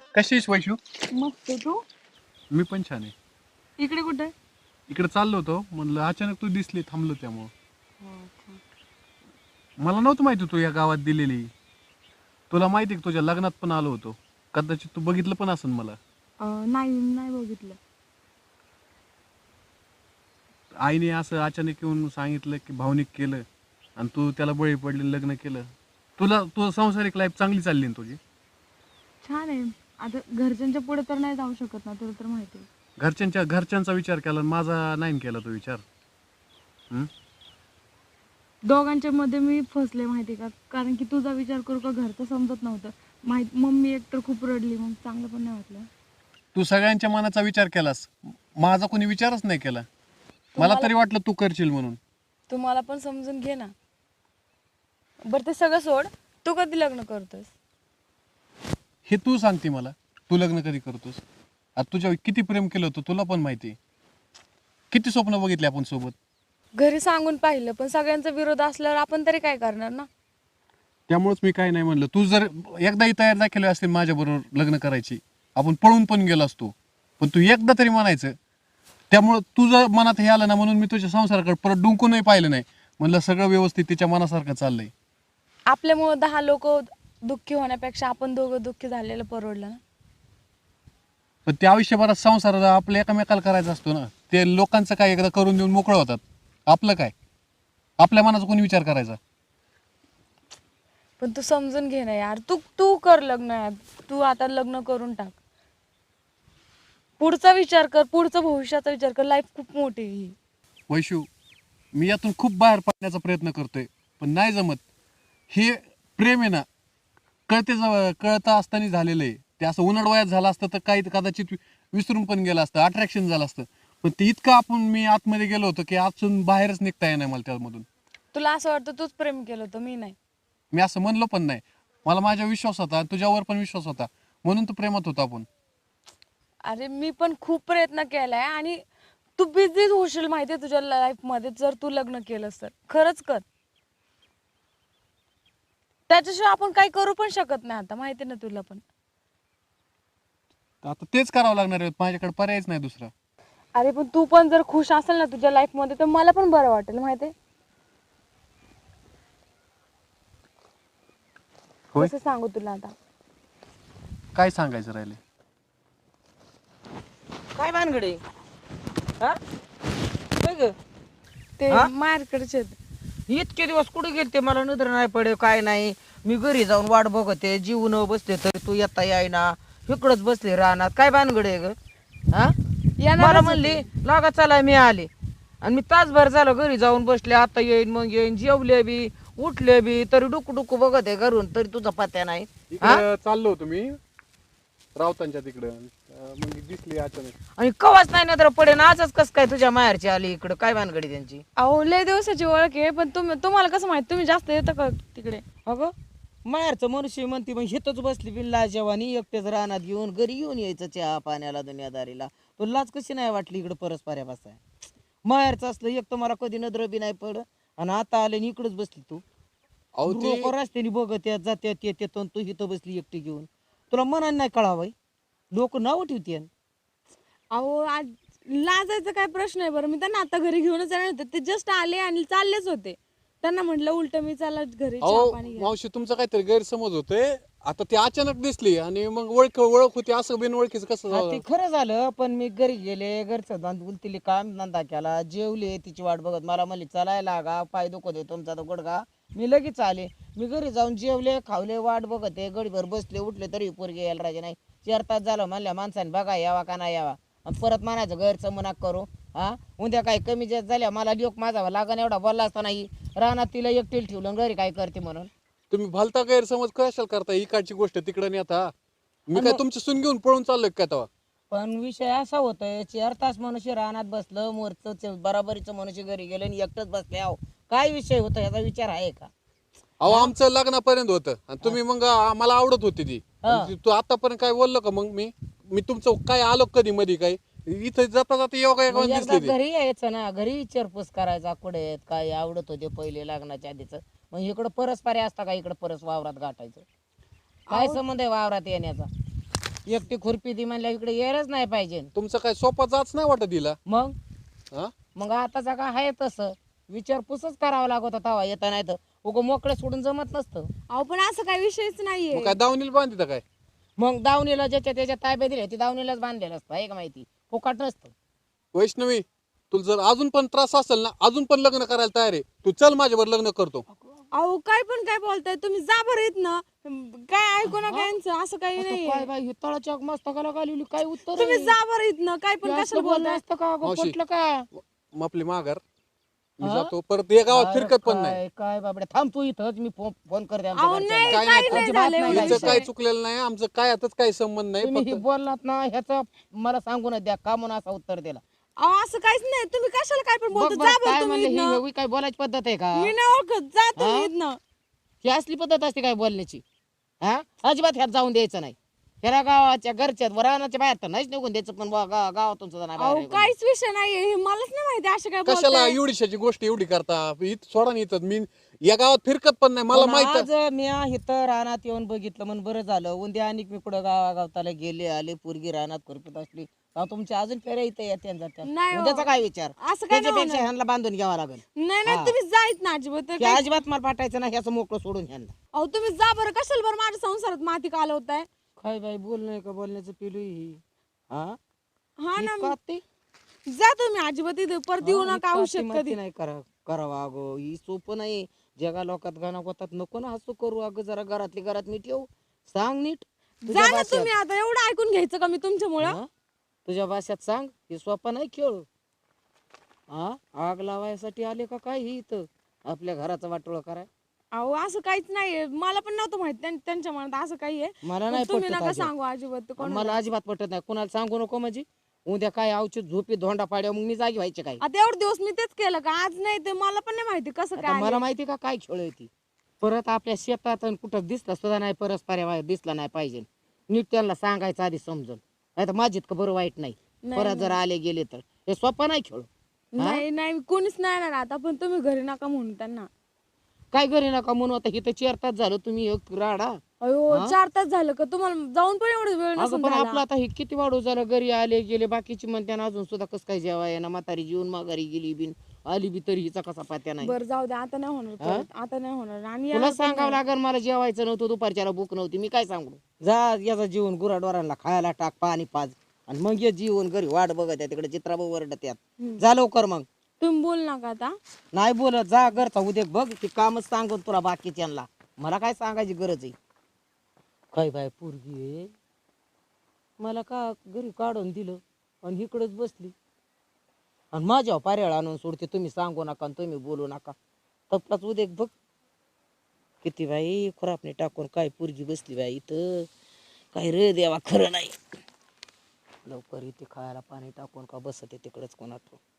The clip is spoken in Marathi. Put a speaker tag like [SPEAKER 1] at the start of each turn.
[SPEAKER 1] कशी आहेस वैशू?
[SPEAKER 2] मस्त तू.
[SPEAKER 1] मी पण छान आहे.
[SPEAKER 2] इकडे कुठे?
[SPEAKER 1] इकडे चाललो होतो, म्हणलं अचानक तू दिसली, थांबलो त्यामुळं. मला नव्हतं माहिती तू या गावात दिलेली. तुला माहिती आहे का, तुझ्या लग्नात पण आलो होतो. कदाचित तू बघितलं पण असेल मला.
[SPEAKER 2] नाही नाही बघितलं.
[SPEAKER 1] आईने असं अचानक येऊन सांगितलं की भावनिक केलं आणि तू त्याला बळी पडले, लग्न केलं. तुझं सांसारिक लाईफ चांगली चालली ना तुझी?
[SPEAKER 2] छान आहे. आता घरच्यांच्या पुढे तर नाही जाऊ शकत ना, तुला तर माहिती आहे.
[SPEAKER 1] घरच्यांचा विचार केला आणि माझा नाही केला तो विचार. हम्म?
[SPEAKER 2] दोघांच्या मध्ये मी फसले माहिती का, कारण की तुझा विचार करू का घरचं समजत नव्हतं. मम्मी एक तर खूप रडली, मग चांगलं पण नाही वाटलं.
[SPEAKER 1] तू सगळ्यांच्या मनाचा विचार केलास, माझा कोणी विचारच नाही केला. मला तरी वाटलं तू करशील म्हणून.
[SPEAKER 2] तू मला पण समजून घे ना. बरं ते सगळं सोड, तू कधी लग्न करतोस?
[SPEAKER 1] हे तू सांगते मला, तू लग्न कधी करतोस? आता तुझ्या किती प्रेम केलं होतं तुला पण माहिती. किती स्वप्न बघितले आपण सोबत.
[SPEAKER 2] घरी सांगून पाहिलं, पण सगळ्यांचा विरोध असल्यावर आपण तरी काय करणार ना.
[SPEAKER 1] त्यामुळेच मी काय नाही म्हणलं. तू जर एकदाही तयार दाखवली असतील माझ्या बरोबर लग्न करायची, आपण पळून पण गेलो असतो. पण तू एकदा तरी म्हणायचं. त्यामुळं तुझं मनात हे आलं ना, म्हणून मी तुझ्या संसाराकडे परत डुंकूनही पाहिलं नाही. म्हणलं सगळं व्यवस्थित तिच्या मनासारखं चाललंय.
[SPEAKER 2] आपल्यामुळं 10 लोक दुःखी होण्यापेक्षा आपण दोघं दुःखी झालेलं परवडलं ना.
[SPEAKER 1] पण ते आयुष्यभरात संसार आपल्या एकामेकाला करायचा असतो ना. ते लोकांचं काय एकदा करून देऊन मोकळं होतात. आपलं काय, आपल्या मनाचा कोणी विचार करायचा?
[SPEAKER 2] पण तू समजून घे ना यार, तू तू कर लग्न यार. तू आता लग्न करून टाक. पुढचा विचार कर, पुढचा भविष्याचा विचार कर. लाईफ खूप मोठी आहे ही.
[SPEAKER 1] वैशू, मी यातून खूप बाहेर पडण्याचा प्रयत्न करतोय, पण नाही जमत. हे प्रेम आहे ना, कळता असताना झालेलं आहे. ते असं उन्हाळ वयात झालं असतं तर काही कदाचित विसरून पण गेलं असतं, अट्रॅक्शन झालं असतं. पण ते इतकं मी आतमध्ये गेलो होतो की आतून बाहेरच निघता येणार मला त्यामधून.
[SPEAKER 2] तुला असं वाटतं तूच प्रेम केलं होतं, मी नाही.
[SPEAKER 1] मी असं म्हणलो पण नाही. मला माझ्या विश्वास होता, तुझ्यावर पण विश्वास होता, म्हणून तर प्रेमात होतो आपण.
[SPEAKER 2] अरे मी पण खूप प्रयत्न केलाय आणि तू बिझी होशील माहितीये तुझ्या लाईफ मध्ये जर तू लग्न केलंस तर. खरंच कर. त्याच्याशिवाय आपण काही करू पण शकत नाही आता, माहिती ना तुला पण.
[SPEAKER 1] आता तेच करावं लागणार आहे, माझ्याकडे पर्यायच नाही दुसरा.
[SPEAKER 2] अरे पण तू पण जर खुश असेल ना तुझ्या लाईफ मध्ये तर मला पण बरं वाटेल माहितीये.
[SPEAKER 1] होय,
[SPEAKER 2] कसं सांगू तुला आता.
[SPEAKER 1] काय सांगायचं राहिले?
[SPEAKER 3] काय भानगडे हा काय ग?
[SPEAKER 2] ते
[SPEAKER 3] हा?
[SPEAKER 2] मार्केटचे
[SPEAKER 3] इतके दिवस कुठे गेलते मला नजर नाही पडे काय नाही. मी घरी जाऊन वाट बघते जीवन बसते तरी तू येता येईना. इकडच बसले रानात काय भानगडे ग हा? मला म्हणली लागा चला मी आले आणि मी तासभर झालं घरी जाऊन बसले. आता येईन मग येईन जेवले बी उठले बी तरी डुकू डुकू बघते घरून तरी तुझा पत्या नाही.
[SPEAKER 1] इकडे चाललो होतो मी रावतांच्या तिकडं, मग दिसली अचानक.
[SPEAKER 3] आणि कवाच नाही नजर पडे ना आजच कस काय तुझ्या माहेरची आली इकडं काय भानगडी त्यांची.
[SPEAKER 2] अहो लय दिवसाची ओळख आहे, पण तुम्हाला कसं माहित, तुम्ही जास्त येतं का तिकडे?
[SPEAKER 3] अगं माहेरचं मनुष्य म्हणते मग हिथंच बसली बिल्ला जेवानी एकटेच रानात घेऊन घरी येऊन यायचं चहा पाण्याला दुनियादारीला. तो लाज कशी नाही वाटली इकडं परस्पऱ्या बसाय. माहेरचं असलं एक तर मला कधी नजर बी नाही पड आणि आता आले आणि इकडंच बसली तू.
[SPEAKER 1] अहो ते
[SPEAKER 3] लोक रस्त्याने बघत येत जात्यात येतात आणि तू इथं बसली एकटी घेऊन. तुला मनाने नाही कळावं लोक नाव ठेवते.
[SPEAKER 2] अहो आज लाजायचा काय प्रश्न आहे बरं. मी त्यांना आता घरी घेऊनच येणार होते, ते जस्ट आले आणि चाललेच होते. त्यांना म्हटलं उलट मी चला घरी चहा
[SPEAKER 1] अहो
[SPEAKER 2] पाणी घ्या.
[SPEAKER 1] मावशी, तुमचा काहीतरी गैरसमज होतोय. आता ती अचानक दिसली आणि मग ओळख होती, असं बिन ओळखीचं कसं
[SPEAKER 3] हा
[SPEAKER 1] जावं?
[SPEAKER 3] ते खरं झालं पण मी घरी गेले घरचं दांदून तिले काम धंदा केला जेवले तिची वाट बघत मला म्हणली चलायला लागा पाय दुखत आहे तुमचा तर गुडघा. मी लगेच आले. मी घरी जाऊन जेवले खावले वाट बघत आहे गडीभर बसले उठले तरी पोरगे यायला राजे नाही. 4 तास झालं म्हणल्या माणसाने बघा यावा का नाही यावा आणि परत म्हणायचं गैरचं मनाक करू. हा उद्या काही कमी जास्त झाल्या मला लोक माझा लागण एवढा बोलला असता नाही रानात तिला एकटील ठेवलं घरी काय करते म्हणून.
[SPEAKER 1] तुम्ही भलता गैरसमज कशाला करता? इकडची गोष्ट तिकडे नेता. मी काय तुमची सून घेऊन पळून चाललोय काय तेव्हा?
[SPEAKER 3] पण विषय असा होतोय 4 तास मनुष्य रानात बसलं मोरचं बराबरीचं मनुष्य घरी गेलं आणि एकटंच बसले. अहो काय विषय होतो याचा विचार आहे का?
[SPEAKER 1] अहो आमचं लग्नापर्यंत होतं आणि तुम्ही मग मला आवडत होती ती. आणि तू आतापर्यंत काय बोललो का? मग मी तुमचं काय आलो कधी मध्ये काय इथं जाता जाता योगा
[SPEAKER 3] मग एकदा
[SPEAKER 1] दिसली ती.
[SPEAKER 3] घरी यायचं ना घरी विचारपूस करायचा कुठे आहेत काय आवडत होते पहिले लग्नाच्या आधीच. मग इकडं परस्परे असता का इकडं परस वावरात गाठायचं काय संबंध आहे वावरात येण्याचा? एकटी खुरपी ती म्हणल्या इकडे यायलाच नाही पाहिजे.
[SPEAKER 1] तुमचं काय सोपा जाच नाही वाटत दिला
[SPEAKER 3] मग
[SPEAKER 1] हा?
[SPEAKER 3] मग आताचा काय आहे तसं विचारपूसच करावा लागत होता येता नाही तर उगं मोकळं सोडून जमत नसतं.
[SPEAKER 2] अहो पण असं काही विषयच नाहीये.
[SPEAKER 1] मग काय दावणीला बांधित काय?
[SPEAKER 3] मग दावणीला ज्याच्या त्याच्या ताब्यात दिले ती दावणीलाच बांधलेलं असतं आहे का माहिती, फुकाट नसतं.
[SPEAKER 1] वैष्णवी, तुला जर अजून पण त्रास असेल ना, अजून पण लग्न करायला तयार आहे, तू चल माझ्यावर लग्न करतो.
[SPEAKER 2] अहो काय पण काय बोलताय तुम्ही, जा बरं येत ना. काय ऐकू नका यांचं, असं काही
[SPEAKER 3] आता
[SPEAKER 2] नाही.
[SPEAKER 3] काय बाई ही तळाच्या मस्तकाला घालवली काय उत्तर
[SPEAKER 2] तुम्ही
[SPEAKER 3] आहे?
[SPEAKER 2] जा बरं येत ना, काय पण
[SPEAKER 3] हे
[SPEAKER 2] कशाला
[SPEAKER 3] असलं बोलणं
[SPEAKER 2] बोलताय.
[SPEAKER 3] असतं का अगं,
[SPEAKER 1] मावशी.
[SPEAKER 3] पटलं का?
[SPEAKER 1] मग आपली माघार मी
[SPEAKER 3] हा?
[SPEAKER 1] जातो, परत या गावात
[SPEAKER 3] काय
[SPEAKER 1] फिरकत पण नाही.
[SPEAKER 3] काय काय बाबडे थांब तू इथंच, मी फोन करते आमच्या
[SPEAKER 2] अहो
[SPEAKER 3] घरच्यांना.
[SPEAKER 2] नाही
[SPEAKER 1] काय
[SPEAKER 2] काही
[SPEAKER 1] नाही,
[SPEAKER 2] नाही
[SPEAKER 3] अजिबात
[SPEAKER 2] झालं
[SPEAKER 3] नाही
[SPEAKER 2] एवढा
[SPEAKER 1] हिचं
[SPEAKER 3] विषय.
[SPEAKER 1] काय
[SPEAKER 2] विषय.
[SPEAKER 1] चुकलेलं नाही, आमचं काय आताच काही संबंध नाही.
[SPEAKER 3] तुम्ही हे
[SPEAKER 1] फक्त
[SPEAKER 3] बोललात ना ह्याचं मला सांगून द्या का म्हणून असं उत्तर दिला.
[SPEAKER 2] अहो असं काहीच नाही, तुम्ही कशाला काय पण
[SPEAKER 3] बघ
[SPEAKER 2] बोलता.
[SPEAKER 3] बरं
[SPEAKER 2] जा
[SPEAKER 3] काय
[SPEAKER 2] बरं तुम्ही
[SPEAKER 3] म्हणलं,
[SPEAKER 2] इथनं.
[SPEAKER 3] ही काय बोलायची पद्धत आहे का?
[SPEAKER 2] मी नाही ओळखत, जा तुम्ही
[SPEAKER 3] हा?
[SPEAKER 2] इथनं.
[SPEAKER 3] ही असली पद्धत असते काय बोलण्याची? हा अजिबात ह्यात जाऊन द्यायचं नाही. ह्याला गावाच्या घरच्या रानाच्या बाहेर तर नाहीच निघून द्यायचं, पण गावातून सुद्धा नाही बाहेर
[SPEAKER 2] अहो
[SPEAKER 3] निघून
[SPEAKER 2] काहीच विषय नाहीये, हे मलाच नाही माहिती अशा काय
[SPEAKER 1] कशाला
[SPEAKER 2] बोलताय.
[SPEAKER 1] एवढीशाची गोष्ट एवढी करता? इथं सोडा नाही, इथं मी या गावात फिरकत पण नाही, मला
[SPEAKER 3] पण
[SPEAKER 1] माहित.
[SPEAKER 3] आज मी इथं रानात येऊन बघितलं म्हणून बरं झालं. उद्या आणि मी कुठं गावागावताला गेले आले पोरगी रानात खुरपीत असली तर तुमच्या अजून फेऱ्या इथं येत्या जात्या.
[SPEAKER 2] नाही हो.
[SPEAKER 3] उद्याचा काय विचार?
[SPEAKER 2] असं काय नाही
[SPEAKER 3] त्याच्यापेक्षा
[SPEAKER 2] होणार.
[SPEAKER 3] ह्यांना बांधून घ्यावा लागेल.
[SPEAKER 2] नाही नाही
[SPEAKER 3] हा.
[SPEAKER 2] तुम्ही जायत ना अजिबात. तर
[SPEAKER 3] की
[SPEAKER 2] काय-
[SPEAKER 3] अजिबात मला पाठायचं नाही, ह्याचं मोकळं सोडून ह्यांना.
[SPEAKER 2] अहो तुम्ही जा बरं, कशाला बरं माझ्या संसारात माती कालवताय.
[SPEAKER 3] काय बाई बोल नाही का बोलण्याचं पिलू ही हा
[SPEAKER 2] हा
[SPEAKER 3] ही
[SPEAKER 2] ना,
[SPEAKER 3] काती?
[SPEAKER 2] जा तुम्ही अजिबात इथे परत येऊ
[SPEAKER 3] हा, ही
[SPEAKER 2] नका
[SPEAKER 3] काती
[SPEAKER 2] औषध
[SPEAKER 3] माती
[SPEAKER 2] कधी.
[SPEAKER 3] नाही करावा अगो, ही सोपं नाही. जगा लोकात गाणं होतात, नको ना हसू करू अगं, जरा घरातली घरात मी ठेवू, सांग नीट तुझ्या
[SPEAKER 2] जा ना
[SPEAKER 3] भाषेत.
[SPEAKER 2] तुम्ही, आता एवढं ऐकून घ्यायचं का मी तुमच्यामुळं.
[SPEAKER 3] हा? तुझ्या भाषेत सांग, हे सोपा नाही खेळ. हा आग लावायसाठी आले का काय ही इथं आपल्या घराचा वाटोळा कराय?
[SPEAKER 2] अहो असं काहीच नाहीये, मला पण नव्हतं माहित त्यांच्या मनात असं काही आहे.
[SPEAKER 3] मला नाही
[SPEAKER 2] पण तुम्ही
[SPEAKER 3] पटत
[SPEAKER 2] नका
[SPEAKER 3] अजिबात.
[SPEAKER 2] सांगू अजिबात ते कोणाला.
[SPEAKER 3] मला अजिबात पटत नाही, कुणाला सांगू नको. म्हणजे उद्या काय औषध झोपी धोंडा पाड्या मग मी जागी व्हायचे काय?
[SPEAKER 2] आता एवढे दिवस मी तेच केलं का, आज नाही ते मला पण नाही माहिती कसं
[SPEAKER 3] आता
[SPEAKER 2] काय
[SPEAKER 3] मला
[SPEAKER 2] आले.
[SPEAKER 3] माहिती का काय खेळ आहे ती. परत आपल्या शेतात आणि कुठं दिसला सुद्धा नाही, परस्पर दिसला नाही पाहिजे. नीट त्यांना सांगायचं आधी समजून, नाही तर माझीत का बरं वाईट नाही.
[SPEAKER 2] नाही,
[SPEAKER 3] परत जर आले गेले तर हे सोपा नाही खेळ.
[SPEAKER 2] नाही नाही कोणीच नाही येणार आता, पण तुम्ही घरी नका म्हणून त्यांना.
[SPEAKER 3] काय घरी नका म्हणून, आता इथं 4 तास झालं तुम्ही एक राडा.
[SPEAKER 2] अयो 4 तास झालं का तुम्हाला जाऊन पण एवढं वेळ
[SPEAKER 3] अगं
[SPEAKER 2] नसून
[SPEAKER 3] पण
[SPEAKER 2] झाला.
[SPEAKER 3] आपलं आता हे किती वाढू झालं, घरी आले गेले बाकीची म्हणते ना अजून सुद्धा कसं काय जेवाय ना, म्हातारी जीवन माघारी गेली बिन आली बी तरी हिचा कसा पात्या नाही.
[SPEAKER 2] बरं जाऊ दे, आता नाही होणार परत, आता नाही होणार. आणि
[SPEAKER 3] तुला
[SPEAKER 2] याला पण
[SPEAKER 3] सांगावं
[SPEAKER 2] नाही.
[SPEAKER 3] लागेल, मला जेवायचं नव्हतं, दुपारच्याला भूक नव्हती, मी काय सांगू? जा याचा जीवन गुराढोरांना खायला टाक, पाणी पाज, आणि मग ये जीवन घरी वाट बघत आहे तिकडे चित्राबाई वरडत यात. जा लवकर मग.
[SPEAKER 2] तुम्ही बोल नका आता.
[SPEAKER 3] नाही बोलत, जा घरचा उद्या बघ ते कामच सांगून तुला बाकीच्यांना, मला काय सांगायची गरज आहे? काय बाय पोरगी आहे, मला का घरी काढून दिलं आणि इकडंच बसली आणि माझ्या पाऱ्याला आणून सोडते. तुम्ही सांगू नका आणि तुम्ही बोलू नका. तपलाच उद्या बघ किती बाई खुरापणी टाकून काय पोरगी बसली बाई इथं. काय रे देवा, खरं नाही. लवकर इथे खायला पाणी टाकून का बसते तिकडच कोणाचं.